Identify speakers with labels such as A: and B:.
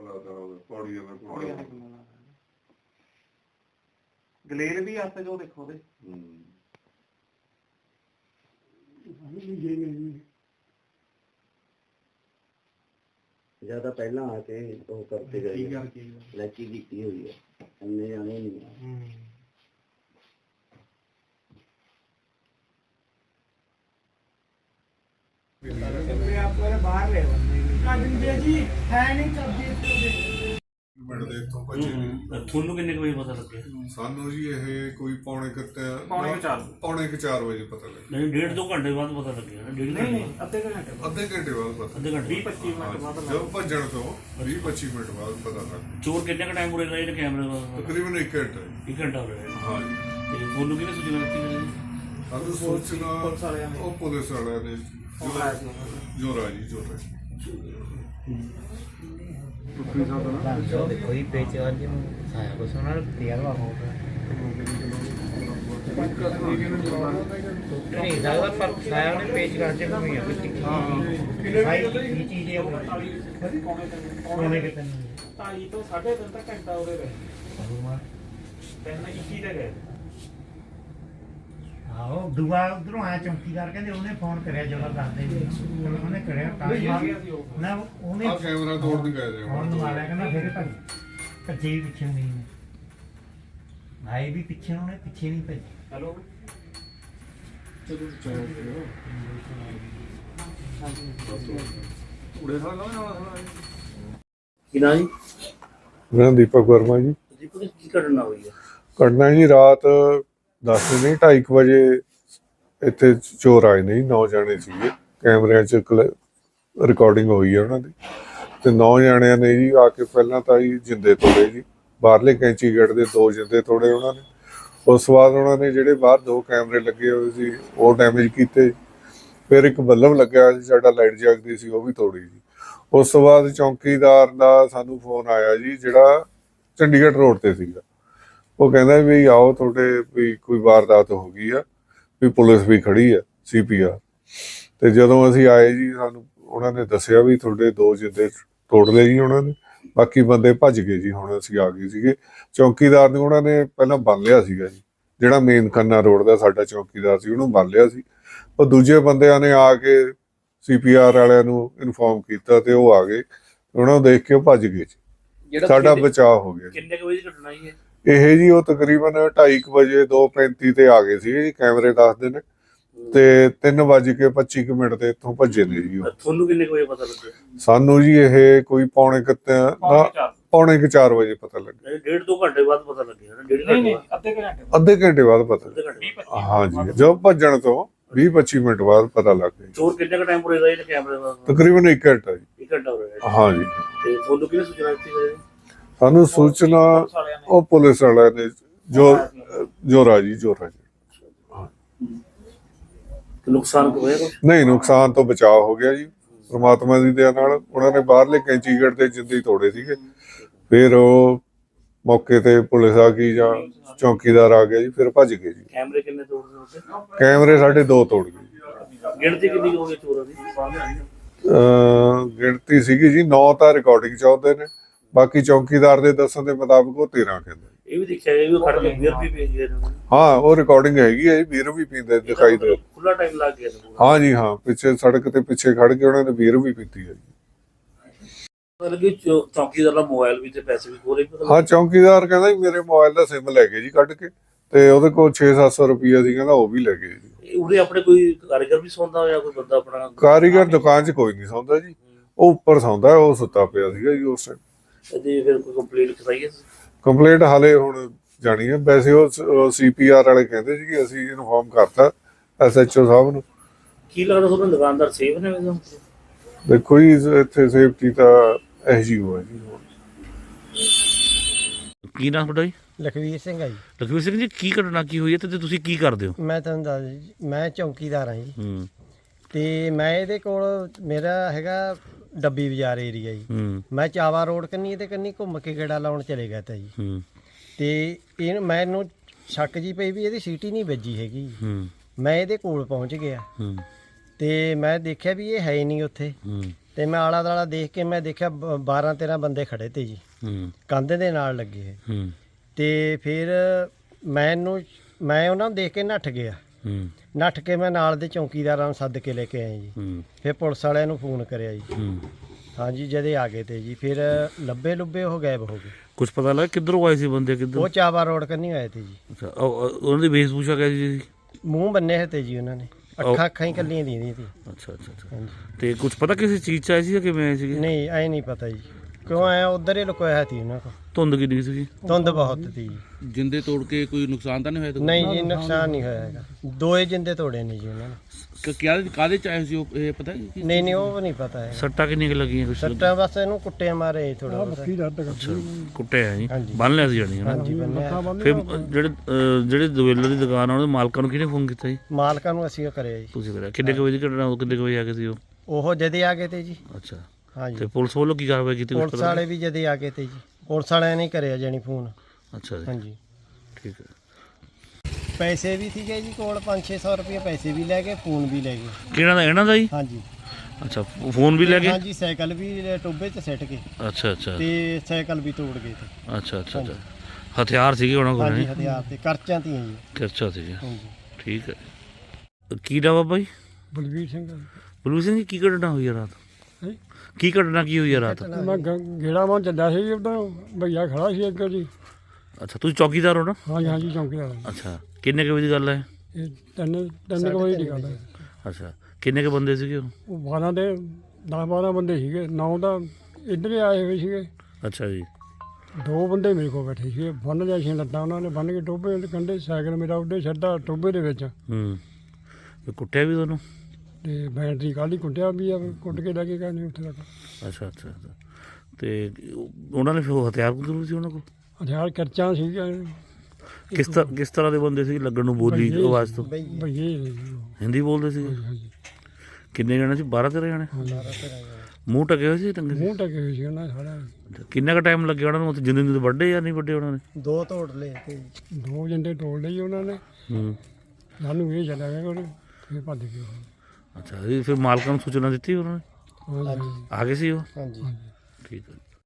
A: ਗਲੇਰ ਵੀ ਆਸੇ ਜੋ ਦੇਖੋ ਉਹਦੇ
B: ਜਿਆਦਾ ਪਹਿਲਾਂ ਆ ਕੇ ਉਹ ਕਰਕੇ ਗਏ ਲੈਚੀ ਕੀਤੀ ਹੋਈ ਹੈ ਇੰਨੇ ਜਾਣੇ ਨਹੀਂ
C: ਬਾਹਰ ਲੈ ਬੰਦੇ ਜੀ ਹੈ ਨਹੀਂ ਕਬਜ਼ੇ
D: ਪਿੰਡ ਦੇ ਇੱਥੋਂ ਭੱਜੇ ਨੇ।
E: ਤੁਹਾਨੂੰ ਕਿੰਨੇ ਕੁ ਵਜੇ ਪਤਾ ਲੱਗਿਆ?
D: ਸਾਨੂੰ ਜੀ ਇਹ ਕੋਈ ਪੌਣੇ 4 ਵਜੇ ਪਤਾ ਲੱਗਿਆ।
E: ਨਹੀਂ 1.5-2 ਘੰਟੇ ਬਾਅਦ ਪਤਾ ਲੱਗਿਆ ਨਾ? 1.5 ਘੰਟੇ
C: ਅੱਧੇ ਘੰਟੇ
D: ਅੱਧੇ ਘੰਟੇ ਬਾਅਦ ਪਤਾ
E: ਅੱਧੇ ਘੰਟੇ
C: 20-25 ਮਿੰਟ ਬਾਅਦ
D: ਜਦੋਂ ਭੱਜਣ ਤੋਂ 20-25 ਮਿੰਟ ਬਾਅਦ ਪਤਾ ਲੱਗਾ।
E: ਚੋਰ ਕਿੰਨੇ ਕ ਟਾਈਮ ਉਰੇ ਰਹੇ ਨੇ ਕੈਮਰੇ ਦਾ?
D: ਤਕਰੀਬਨ 1 ਘੰਟਾ।
E: 1 ਘੰਟਾ ਹੋ ਰਿਹਾ।
D: ਹਾਂ ਜੀ।
E: ਤੇ ਤੁਹਾਨੂੰ ਕਿਹਨੇ ਸੂਚਨਾ ਦਿੱਤੀ ਮੇਰੇ?
D: ਸਾਨੂੰ ਸੂਚਨਾ ਉਹ ਪੁਲਿਸ ਵਾਲਿਆਂ ਨੇ ਜੋਰਾ
F: देखो ही पेच और जो साया को सुना तैयार हुआ होगा नहीं ज़्यादा फर्क साया ने पेच काटे में हुई है कुछ भाई ये चीज़ें होने के तन
C: ताई तो 3.5 तक घंटा हो रहे पहले की चीज़ है
F: ਆਹੋ ਦੂਆ ਉਧਰੋਂ ਆਇਆ ਚੌਂਕੀਦਾਰ ਕਹਿੰਦੇ ਉਹਨੇ ਫੋਨ ਕਰਿਆ ਜਦੋਂ ਦੱਸਦੇ ਉਹਨੇ ਕਰਿਆ ਤਾਂ ਨਾ ਉਹਨੇ
D: ਆ ਕੈਮਰਾ ਤੋੜਨ ਗਏ ਨੇ
F: ਫੋਨ ਮਾਰਿਆ ਕਹਿੰਦਾ ਫਿਰ ਭੱਜੇ ਵੀ ਪਿੱਛੇ ਨਹੀਂ ਆਏ ਵੀ ਪਿੱਛੇ ਉਹਨੇ ਪਿੱਛੇ ਨਹੀਂ ਭੱਜੇ
C: हेलो
E: ਕੀ ਨਾ ਜੀ?
D: ਮੈਂ ਦੀਪਕ ਵਰਮਾ ਜੀ।
E: ਕੀ ਘਟਨਾ ਹੋਈ ਹੈ?
D: ਘਟਨਾ ਜੀ ਰਾਤ 10 ਨਹੀਂ 2:30 ਵਜੇ ਇੱਥੇ ਚੋਰ ਆਏ ਨੇ 9 ਜਾਣੇ ਸੀਗੇ। ਕੈਮਰਿਆਂ 'ਚ ਰਿਕਾਰਡਿੰਗ ਹੋਈ ਹੈ ਉਹਨਾਂ ਦੀ ਤੇ 9 ਜਾਣਿਆਂ ਨੇ ਜੀ ਆ ਕੇ ਪਹਿਲਾਂ ਤਾਂ ਜੀ ਜਿੰਦੇ ਤੋੜੇ ਜੀ ਬਾਹਰਲੇ ਕੈਂਚੀ ਗੇਟ ਦੇ 2 ਜਿੰਦੇ ਤੋੜੇ ਉਹਨਾਂ ਨੇ। ਉਸ ਤੋਂ ਬਾਅਦ ਉਹਨਾਂ ਨੇ ਜਿਹੜੇ ਬਾਹਰ 2 ਕੈਮਰੇ ਲੱਗੇ ਹੋਏ ਸੀ ਉਹ ਡੈਮੇਜ ਕੀਤੇ। ਫਿਰ ਇੱਕ ਬੱਲਬ ਲੱਗਿਆ ਸੀ ਸਾਡਾ ਲਾਈਟ ਜਗਦੀ ਸੀ ਉਹ ਵੀ ਤੋੜੀ ਜੀ। ਉਸ ਤੋਂ ਬਾਅਦ ਚੌਂਕੀਦਾਰ ਦਾ ਸਾਨੂੰ ਫੋਨ ਆਇਆ ਜੀ ਜਿਹੜਾ ਚੰਡੀਗੜ੍ਹ ਰੋਡ ਤੇ ਸੀਗਾ। ਉਹ ਕਹਿੰਦਾ ਵੀ ਆਓ ਤੁਹਾਡੇ ਵੀ ਕੋਈ ਵਾਰਦਾਤ ਹੋ ਗਈ ਆ ਵੀ ਪੁਲਿਸ ਵੀ ਖੜੀ ਆ CPR। ਤੇ ਜਦੋਂ ਅਸੀਂ ਆਏ ਜੀ ਸਾਨੂੰ ਉਹਨਾਂ ਨੇ ਦੱਸਿਆ ਵੀ ਤੁਹਾਡੇ 2 ਜਿੰਦੇ ਤੋੜ ਲਏ ਜੀ ਉਹਨਾਂ ਨੇ, ਬਾਕੀ ਬੰਦੇ ਭੱਜ ਗਏ ਜੀ। ਹੁਣ ਅਸੀਂ ਆ ਗਏ ਸੀਗੇ। ਚੌਂਕੀਦਾਰ ਨੂੰ ਉਹਨਾਂ ਨੇ ਪਹਿਲਾਂ ਬੰਨ ਲਿਆ ਸੀਗਾ ਜੀ, ਜਿਹੜਾ ਮੇਨ ਖੰਨਾ ਰੋਡ ਦਾ ਸਾਡਾ ਚੌਂਕੀਦਾਰ ਸੀ ਉਹਨੂੰ ਬੰਨ ਲਿਆ ਸੀ। ਉਹ ਦੂਜੇ ਬੰਦਿਆਂ ਨੇ ਆ ਕੇ CPR ਵਾਲਿਆਂ ਨੂੰ ਇਨਫੋਰਮ ਕੀਤਾ ਤੇ ਉਹ ਆ ਗਏ, ਉਹਨਾਂ ਨੂੰ ਦੇਖ ਕੇ ਉਹ ਭੱਜ ਗਏ ਜੀ। ਸਾਡਾ ਬਚਾਅ ਹੋ ਗਿਆ।
E: ਕਿੰਨੇ ਕੁ ਵਜੇ ਦੀ ਘਟਨਾ ਹੀ ਹੈ
D: ਇਹ ਜੀ? ਉਹ ਤਕਰੀਬਨ 2:30 ਵਜੇ 2:35 ਤੇ ਆ ਗਏ ਸੀ ਜੀ, ਕੈਮਰੇ ਦੱਸਦੇ ਨੇ, ਤੇ 3:25 ਤੇ ਇੱਥੋਂ ਭੱਜੇ ਨੇ ਜੀ।
E: ਤੁਹਾਨੂੰ ਕਿੰਨੇ ਕੁ ਵਜੇ ਪਤਾ ਲੱਗਿਆ?
D: ਸਾਨੂੰ ਜੀ ਇਹ ਕੋਈ ਪੌਣੇ 4 ਵਜੇ ਪਤਾ ਲੱਗਿਆ।
E: 1.5-2 ਘੰਟੇ ਬਾਅਦ ਪਤਾ ਲੱਗਿਆ ਨਾ? 1.5 ਘੰਟੇ
D: ਅੱਧੇ ਘੰਟੇ ਬਾਅਦ ਪਤਾ। ਹਾਂ ਜੀ, ਜਦੋਂ ਭੱਜਣ ਤੋਂ 20-25 ਮਿੰਟ ਬਾਅਦ ਪਤਾ ਲੱਗ ਗਿਆ।
E: ਚੋਰ ਕਿੰਨੇ ਕ ਟਾਈਮ ਉਰੇ ਰਹੇ ਨੇ ਕੈਮਰੇ ਦਾ?
D: ਤਕਰੀਬਨ 1 ਘੰਟਾ ਜੀ।
E: 1 ਘੰਟਾ ਹੋ ਰਿਹਾ।
D: ਹਾਂ ਜੀ।
E: ਤੇ ਤੁਹਾਨੂੰ ਕਿਹਨੇ ਸੂਚਨਾ ਦਿੱਤੀ ਮੇਰੇ?
D: ਸਾਨੂੰ ਸੂਚਨਾ ਉਹ ਪੁਲਿਸ ਵਾਲਿਆਂ ਨੇ ਜੋਰਾ ਜੀ।
E: ਨੁਕਸਾਨ ਹੋਇਆ ਕੁਛ?
D: ਨਹੀਂ, ਨੁਕਸਾਨ ਤੋਂ ਬਚਾਅ ਹੋ ਗਿਆ ਜੀ ਪ੍ਰਮਾਤਮਾ ਦੀ ਦਇਆ ਨਾਲ। ਉਹਨਾਂ ਨੇ ਬਾਹਰਲੇ ਕੈਂਚੀ ਗੇਟ ਤੇ ਜਿੰਦੇ ਤੋੜੇ ਸੀਗੇ। ਫਿਰ ਉਹ ਮੌਕੇ ਤੇ ਪੁਲਿਸ ਆ ਗਈ ਜਾਂ ਚੌਂਕੀਦਾਰ ਆ ਗਿਆ ਜੀ, ਫਿਰ ਭੱਜ ਗਏ ਜੀ।
E: ਕੈਮਰੇ ਕਿੰਨੇ ਤੋੜਦੇ ਉੱਤੇ?
D: ਕੈਮਰੇ ਸਾਡੇ 2 ਤੋੜ ਗਏ।
E: ਗਿਣਤੀ ਕਿੰਨੀ ਹੋ ਗਈ ਚੋਰਾਂ ਦੀ?
D: ਗਿਣਤੀ ਸੀਗੀ ਜੀ 9 ਤਾਂ ਰਿਕਾਰਡਿੰਗ ਚ ਆਉਂਦੇ ਨੇ, ਬਾਕੀ ਚੌਂਕੀਦਾਰ ਦੇ ਦੱਸਣ ਦੇ ਮੁਤਾਬਕ ਉਹ 13 ਕਹਿੰਦੇ।
E: ਇਹ ਵੀ ਦੇਖਿਆ ਗਿਆ ਵੀ ਉਹ ਖੜ ਕੇ ਬੀਅਰ ਵੀ ਪੀ ਗਏ ਨੇ।
D: ਹਾਂ, ਉਹ ਰਿਕਾਰਡਿੰਗ ਹੈਗੀ ਹੈ ਜੀ, ਬੀਅਰ ਵੀ ਪੀਂਦੇ ਦਿਖਾਈ ਦੇ।
E: ਖੁੱਲਾ ਟਾਈਮ ਲੱਗ ਗਿਆ।
D: ਹਾਂ ਜੀ, ਹਾਂ, ਪਿੱਛੇ ਸੜਕ ਤੇ ਪਿੱਛੇ ਖੜ ਕੇ ਉਹਨਾਂ ਨੇ ਬੀਅਰ ਵੀ ਪੀਤੀ ਹੈ ਜੀ।
E: ਮਤਲਬ ਕਿ ਚੌਂਕੀਦਾਰ ਦਾ ਮੋਬਾਈਲ ਵੀ ਤੇ ਪੈਸੇ ਵੀ ਖੋਲੇ?
D: ਹਾਂ, ਚੌਂਕੀਦਾਰ ਕਹਿੰਦਾ ਜੀ ਮੇਰੇ ਮੋਬਾਈਲ ਦਾ ਸਿਮ ਲੈ ਗਏ ਜੀ ਕੱਢ ਕੇ, ਤੇ ਉਹਦੇ ਕੋਲ 600-700 ਰੁਪਈਆ ਸੀ, ਕਹਿੰਦਾ ਉਹ ਵੀ ਲੈ ਗਏ ਜੀ।
E: ਉਰੇ ਆਪਣੇ ਕੋਈ ਕਾਰੀਗਰ ਵੀ ਸੌਂਦਾ ਹੋਇਆ? ਕੋਈ ਬੰਦਾ ਆਪਣਾ
D: ਕਾਰੀਗਰ ਦੁਕਾਨ 'ਚ ਕੋਈ ਨਹੀਂ ਸੌਂਦਾ ਜੀ, ਉਹ ਉੱਪਰ ਸੌਂਦਾ, ਉਹ ਸੁੱਤਾ ਪਿਆ ਸੀਗਾ ਜੀ ਉਸ ਟਾਈਮ।
E: ਤੇ ਫਿਰ ਕੋਈ ਕੰਪਲੇਂਟ ਕਰਾਈ ਹੈ?
D: ਕੰਪਲੇਂਟ ਹਾਲੇ ਹੁਣ ਜਾਣੀ ਹੈ। ਵੈਸੇ ਉਹ CPR ਵਾਲੇ ਕਹਿੰਦੇ ਸੀ ਕਿ ਅਸੀਂ ਇਨਫੋਰਮ ਕਰਤਾ SHO ਸਾਹਿਬ ਨੂੰ।
E: ਕੀ ਲੱਗਦਾ ਤੁਹਾਨੂੰ ਦੁਕਾਨਦਾਰ ਸੇਫ ਨੇ?
D: ਦੇਖੋ ਜੀ ਇੱਥੇ ਸੇਫਟੀ ਤਾਂ SGO ਹੈ ਜੀ।
E: ਕੀ ਨਾਮ ਤੁਹਾਡਾ ਜੀ?
F: ਲਖਵੀਰ ਸਿੰਘ ਆ ਜੀ।
E: ਲਖਵੀਰ ਸਿੰਘ ਜੀ, ਕੀ ਘਟਨਾ ਕੀ ਹੋਈ ਹੈ ਤੇ ਤੁਸੀਂ ਕੀ ਕਰਦੇ ਹੋ?
F: ਮੈਂ ਤੁਹਾਨੂੰ ਦੱਸ ਜੀ, ਮੈਂ ਚੌਂਕੀਦਾਰ ਹਾਂ ਜੀ। ਤੇ ਮੈਂ ਇਹਦੇ ਕੋਲ ਮੇਰਾ ਹੈਗਾ ਡੱਬੀ ਬਾਜ਼ਾਰ ਏਰੀਆ ਜੀ। ਮੈਂ ਚਾਵਾ ਰੋਡ ਕੰਨੀ ਤੇ ਕੰਨੀ ਘੁੰਮ ਕੇ ਗੇੜਾ ਲਾਉਣ ਚਲੇ ਗਿਆ ਤਾ ਜੀ। ਤੇ ਇਹ ਮੈਨੂੰ ਸ਼ੱਕ ਜੀ ਪਈ ਵੀ ਇਹਦੀ ਸੀਟੀ ਨਹੀਂ ਵੱਜੀ ਹੈਗੀ। ਮੈਂ ਇਹਦੇ ਕੋਲ ਪਹੁੰਚ ਗਿਆ ਤੇ ਮੈਂ ਦੇਖਿਆ ਵੀ ਇਹ ਹੈ ਨਹੀਂ ਉੱਥੇ। ਤੇ ਮੈਂ ਆਲਾ ਦਾਲਾ ਦੇਖ ਕੇ ਮੈਂ ਦੇਖਿਆ 12-13 ਬੰਦੇ ਖੜੇ ਤੇ ਜੀ ਕੰਧ ਦੇ ਨਾਲ ਲੱਗੇ ਤੇ ਫਿਰ ਮੈਂ ਉਹਨਾਂ ਨੂੰ ਦੇਖ ਕੇ ਨੱਠ ਗਿਆ। ਨੱਠ ਕੇ ਮੈਂ ਨਾਲ ਦੇ ਚੌਕੀਦਾਰਾਂ ਨੂੰ ਸੱਦ ਕੇ ਲੈ ਕੇ ਆਇਆ ਜੀ। ਫਿਰ ਪੁਲਿਸ ਵਾਲਿਆਂ ਨੂੰ ਫੋਨ ਕਰਿਆ ਜੀ। ਹਾਂਜੀ ਜਦੇ ਆ ਗਏ ਤੇ ਜੀ। ਫਿਰ ਲੱਭੇ ਉਹ ਗਾਇਬ ਹੋ ਗਏ।
E: ਕੁਝ ਪਤਾ ਲੱਗਾ ਕਿੱਧਰੋਂ ਆਏ ਸੀ ਬੰਦੇ, ਕਿੱਧਰ?
F: ਉਹ ਚਾਵਾ ਰੋਡ ਕੰਨੀ ਆਏ ਤੇ ਜੀ।
E: ਅੱਛਾ, ਉਹਨਾਂ ਦੀ ਵੇਸ਼ਭੂਸ਼ਾ ਕਿਹਦੀ ਸੀ?
F: ਮੂੰਹ ਬੰਨੇ ਹੋਏ ਤੇ ਜੀ ਉਹਨਾਂ ਨੇ, ਅੱਖਾਂ ਹੀ ਕੱਲੀਆਂ ਦੀਆਂ ਸੀ।
E: ਅੱਛਾ ਅੱਛਾ ਅੱਛਾ।
F: ਹਾਂਜੀ
E: ਤੇ ਕੁਝ ਪਤਾ ਕਿਸੇ ਚੀਜ਼ 'ਚ ਆਏ ਸੀ ਜਾਂ ਕਿਵੇਂ ਆਏ ਸੀਗੇ?
F: ਨਹੀਂ ਐ ਨਹੀਂ ਪਤਾ ਜੀ ਕਿਉਂ ਆਇਆ, ਉਧਰ ਹੀ ਲੁਕੋਇਆ ਸੀ ਉਹਨਾਂ ਕੋਲ।
E: ਧੁੰਦ ਕਿੰਨੀ ਸੀਗੀ?
F: ਧੁੰਦ ਬਹੁਤ ਸੀ ਜੀ।
G: ਜਿੰਦੇ ਤੋੜ ਕੇ ਕੋਈ ਨੁਕਸਾਨ ਤਾਂ ਨਹੀਂ ਹੋਇਆ?
F: ਨਹੀਂ ਜੀ ਨੁਕਸਾਨ ਨਹੀਂ ਹੋਇਆ ਹੈਗਾ। 2 ਜਿੰਦੇ ਤੋੜੇ ਨੇ ਜੀ ਉਹਨਾਂ ਨੇ।
G: ਕਾਹਦੇ ਚ ਆਏ ਸੀ ਉਹ, ਇਹ ਪਤਾ ਕੀ?
F: ਨਹੀਂ ਉਹ ਨਹੀਂ ਪਤਾ ਹੈ।
E: ਸੱਟਾਂ ਕਿੰਨੀਆਂ ਕੁ ਲੱਗੀਆਂ ਕੁਛ?
F: ਸੱਟਾਂ ਬਸ ਇਹਨੂੰ ਕੁੱਟੇ ਮਾਰੇ ਥੋੜਾ ਬਹੁਤ।
E: ਅੱਛਾ, ਕੁੱਟਿਆ ਜੀ,
F: ਹਾਂਜੀ।
E: ਬੰਨ ਲਿਆ ਸੀ ਜਾਣੀ ਹੈ ਨਾ?
F: ਹਾਂਜੀ ਬੰਨਿਆ।
E: ਫਿਰ ਜਿਹੜੇ ਦੁਵੇਲਰ ਦੀ ਦੁਕਾਨ ਆ ਉਹਦੇ ਮਾਲਕਾਂ ਨੂੰ ਕਿਹਨੇ ਫੋਨ ਕੀਤਾ ਜੀ?
F: ਮਾਲਕਾਂ ਨੂੰ ਅਸੀਂ ਉਹ ਕਰਿਆ ਜੀ।
E: ਤੁਸੀਂ ਕਰਿਆ? ਕਿੰਨੇ ਕੁ ਵਜੇ ਦੀ ਘਟਨਾ, ਕਿੰਨੇ ਕੁ ਵਜੇ ਆ ਗਏ ਸੀ ਉਹ?
F: ਉਹ ਜਦੇ ਆ ਗਏ ਤੇ ਜੀ।
E: ਅੱਛਾ,
F: ਹਾਂਜੀ
E: ਤੇ ਪੁਲਿਸ ਵੱਲੋਂ ਕੀ ਕਾਰਵਾਈ ਕੀਤੀ?
F: ਪੁਲਿਸ ਵਾਲੇ ਵੀ ਜਦੇ ਆ ਗਏ ਤੇ ਜੀ। ਪੁਲਿਸ ਵਾਲਿਆਂ ਨੇ ਕਰਿਆ ਜਾਣੀ ਫੋਨ।
E: ਅੱਛਾ ਜੀ,
F: ਹਾਂਜੀ
E: ਠੀਕ ਹੈ।
F: ਪੈਸੇ ਵੀ ਸੀਗੇ ਜੀ ਕੋਲ 500-600 ਰੁਪਏ ਪੈਸੇ ਵੀ ਲੈ ਗਏ, ਫੋਨ ਵੀ ਲੈ ਗਏ।
E: ਕਿਹਨਾਂ ਦਾ? ਇਹਨਾਂ ਦਾ ਜੀ?
F: ਹਾਂਜੀ
E: ਅੱਛਾ, ਫੋਨ ਵੀ ਲੈ ਗਏ?
F: ਹਾਂਜੀ ਸਾਈਕਲ ਵੀ ਟੋਬੇ 'ਚ ਸਿੱਟ ਕੇ
E: ਅੱਛਾ ਅੱਛਾ
F: ਤੇ ਸਾਈਕਲ ਵੀ ਤੋੜ ਗਏ ਤੇ।
E: ਅੱਛਾ ਅੱਛਾ ਅੱਛਾ। ਹਥਿਆਰ ਸੀਗੇ ਉਹਨਾਂ ਕੋਲ?
F: ਹਾਂਜੀ ਹਥਿਆਰ ਤੇ ਕਰਚਾਂ ਤੀਆਂ ਜੀ।
E: ਅੱਛਾ ਸੀਗਾ,
F: ਹਾਂਜੀ
E: ਠੀਕ ਹੈ। ਕੀ ਨਾਮ ਬਾਬਾ ਜੀ?
H: ਬਲਵੀਰ ਸਿੰਘ।
E: ਬਲਵੀਰ ਸਿੰਘ ਜੀ, ਕੀ ਘਟਨਾ ਹੋਈ ਹੈ ਰਾਤ?
H: ਹੈਂ?
E: ਕੀ ਘਟਨਾ ਕੀ ਹੋਈ ਹੈ ਰਾਤ?
H: ਮੈਂ ਗੇੜਾ ਮਾਂ ਚੱਲਿਆ ਸੀ, ਉਦੋਂ ਭਈਆ ਖੜਾ ਸੀ ਅੱਗੇ ਜੀ।
E: ਅੱਛਾ, ਤੁਸੀਂ ਚੌਕੀਦਾਰ ਹੋ ਨਾ?
H: ਹਾਂਜੀ ਹਾਂਜੀ ਚੌਂਕੀਦਾਰ।
E: ਅੱਛਾ, ਕਿੰਨੇ ਕੁ ਵਜੇ ਦੀ ਗੱਲ ਹੈ?
H: ਇਹ ਤਿੰਨ ਕੁ ਵਜੇ ਦੀ ਗੱਲ ਹੈ।
E: ਅੱਛਾ, ਕਿੰਨੇ ਕੁ ਬੰਦੇ ਸੀਗੇ ਉਹ?
H: ਉਹ 10-12 ਬੰਦੇ ਸੀਗੇ। 9 ਤਾਂ ਇੱਧਰ ਹੀ ਆਏ ਹੋਏ ਸੀਗੇ।
E: ਅੱਛਾ ਜੀ।
H: 2 ਬੰਦੇ ਮੇਰੇ ਕੋਲ ਬੈਠੇ ਸੀਗੇ। ਬੰਨ ਲਿਆ ਸੀ ਲੱਤਾਂ ਉਹਨਾਂ ਨੇ, ਬੰਨ ਕੇ ਟੋਭੇ ਦੇ ਕੰਢੇ ਸਾਈਕਲ ਮੇਰਾ ਉੱਡੇ ਛੱਡਾ ਟੋਭੇ ਦੇ ਵਿੱਚ।
E: ਤੇ ਕੁੱਟਿਆ ਵੀ ਤੁਹਾਨੂੰ?
H: ਤੇ ਬੈਟਰੀ ਕਾਹਲੀ ਕੁੱਟਿਆ ਵੀ ਆ, ਕੁੱਟ ਕੇ ਲੈ ਕੇ ਗਏ ਨੇ ਉੱਥੇ ਤੱਕ।
E: ਅੱਛਾ ਅੱਛਾ ਅੱਛਾ। ਤੇ ਉਹਨਾਂ ਨੇ ਫਿਰ ਉਹ ਹਥਿਆਰ ਜ਼ਰੂਰ ਸੀ ਉਹਨਾਂ ਕੋਲ?
H: ਹਥਿਆਰ ਕਰਚਾਂ ਸੀਗੀਆਂ।
E: ਕਿਸ ਤਰ੍ਹਾਂ ਦੇ ਬੰਦੇ ਸੀ ਲੱਗਣ ਨੂੰ, ਬੋਲੀ ਆਵਾਜ਼ ਤੋਂ?
H: ਭਈਏ ਨੇ ਜੀ ਉਹ।
E: ਹਿੰਦੀ ਬੋਲਦੇ ਸੀ?
H: ਹਾਂਜੀ
E: ਕਿੰਨੇ ਜਣੇ ਸੀ? 12-13 ਜਣੇ? ਮੂੰਹ ਟਕੇ ਹੋਏ ਸੀ, ਟੰਗੇ ਸੀ?
H: ਮੂੰਹ ਟਕੇ ਹੋਏ ਸੀ ਉਹਨਾਂ ਦੇ ਸਾਰਾ।
E: ਕਿੰਨਾ ਕੁ ਟਾਈਮ ਲੱਗਿਆ ਉਹਨਾਂ ਨੂੰ ਉੱਥੇ? ਜਿੰਦੇ ਵੱਡੇ ਜਾਂ ਨਹੀਂ ਵੱਡੇ ਉਹਨਾਂ ਨੇ?
F: 2 ਤੋੜ ਲਏ ਤੇ
H: 2 ਜੰਡੇ ਤੋੜ ਲਈ ਉਹਨਾਂ ਨੇ। ਸਾਨੂੰ ਇਹ ਚੱਲਿਆ ਗਿਆ ਕੋਲ, ਫਿਰ ਭੱਜ ਗਏ ਉਹ।
E: ਅੱਛਾ, ਇਹ ਫਿਰ ਮਾਲਕਾਂ ਨੂੰ ਸੂਚਨਾ ਦਿੱਤੀ ਉਹਨਾਂ ਨੇ?
H: ਹਾਂਜੀ
E: ਆ ਗਏ ਸੀ ਉਹ?
F: ਹਾਂਜੀ
E: ਠੀਕ ਹੈ।